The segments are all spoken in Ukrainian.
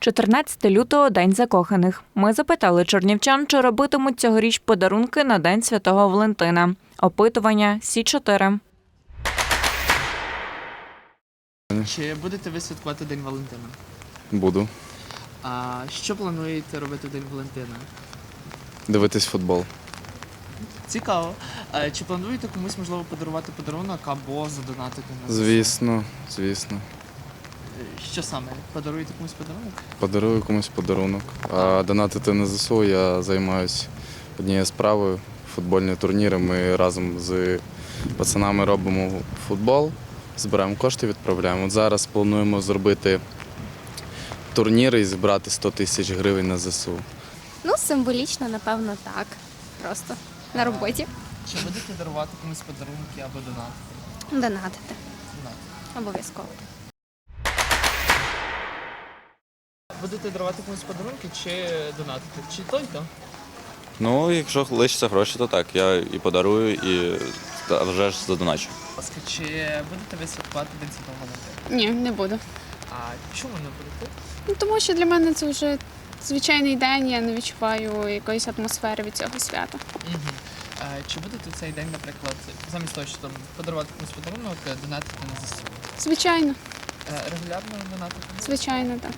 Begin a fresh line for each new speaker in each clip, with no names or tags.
14 лютого – День закоханих. Ми запитали чернівчан, чи робитимуть цьогоріч подарунки на День Святого Валентина. Опитування Сі-4.
Чи будете ви святкувати День Валентина?
Буду.
А що плануєте робити в День Валентина?
Дивитись футбол.
Цікаво. Чи плануєте комусь, можливо, подарувати подарунок або задонатити на ЗСУ?
Звісно.
Що саме? Подаруєте комусь подарунок?
Подарую комусь подарунок. А донатити на ЗСУ я займаюся однією справою – футбольні турніри. Ми разом з пацанами робимо футбол, збираємо кошти, відправляємо. От зараз плануємо зробити турніри і зібрати 100 тисяч гривень на ЗСУ.
Ну, символічно, напевно, так. Просто на роботі.
Чи будете дарувати комусь подарунки або донатити?
Донатити.
Донатити.
Обов'язково.
Будете дарувати комусь подарунки чи донатити? Чи то й то?
Ну, якщо лишаться гроші, то так. Я і подарую, і вже ж задоначу.
Будь ласка, чи будете ви святкувати День Святого Валентина?
Ні, не буду.
А чому не будете?
Ну, тому що для мене це вже звичайний день, я не відчуваю якоїсь атмосфери від цього свята.
Угу. Чи будете в цей день, наприклад, замість того, що там подарувати комусь подарунок, донатити на ЗСУ?
Звичайно,
Регулярно донатити?
звичайно, так.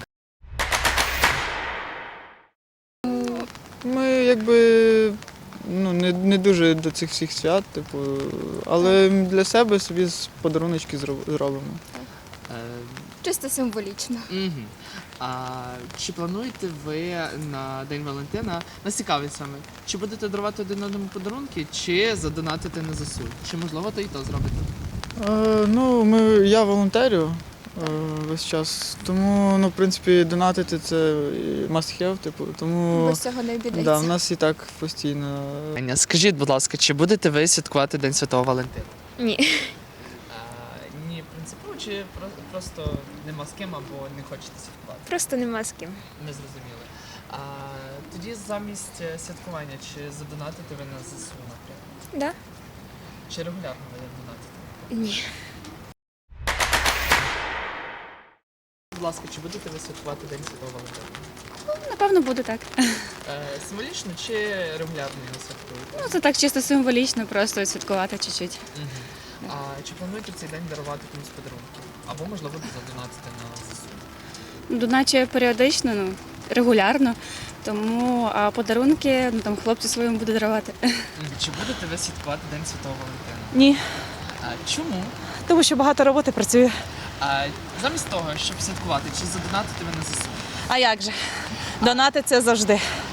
Ми якби не дуже до цих всіх свят, але для себе собі подаруночки зробимо.
Чисто символічно.
Угу. Чи плануєте ви на День Валентина, нас цікавить саме, чи будете дарувати один одному подарунки, чи задонатити на ЗСУ? Чи можливо то і то зробите?
Я волонтерю весь час, тому в принципі донатити це must have, тому
Без цього не обійдеться.
да, в нас і так постійно.
Скажіть, будь ласка, чи будете ви святкувати День Святого Валентина?
Ні.
Ні, принципово, чи просто нема з ким або не хочете святкувати?
Просто нема з ким.
Не зрозуміли. Тоді замість святкування, чи задонатите ви на ЗСУ, наприклад?
Да?
Чи регулярно ви донатите?
Ні.
Будь ласка, чи будете ви святкувати День Святого Валентина?
Напевно, буде так.
Символічно чи регулярно його святкуєте?
Ну, це так чисто символічно, просто святкувати чуть-чуть.
Угу. Чи плануєте в цей день дарувати комусь подарунки? Або, можливо, задонатити на ЗСУ?
Доначе періодично, регулярно, тому подарунки хлопці своєму буду дарувати.
Чи будете ви святкувати День Святого Валентина?
Ні,
Чому?
тому що багато роботи працює.
Замість того, щоб святкувати, чи задонатити ви на ЗСУ?
А як же? Донати це завжди.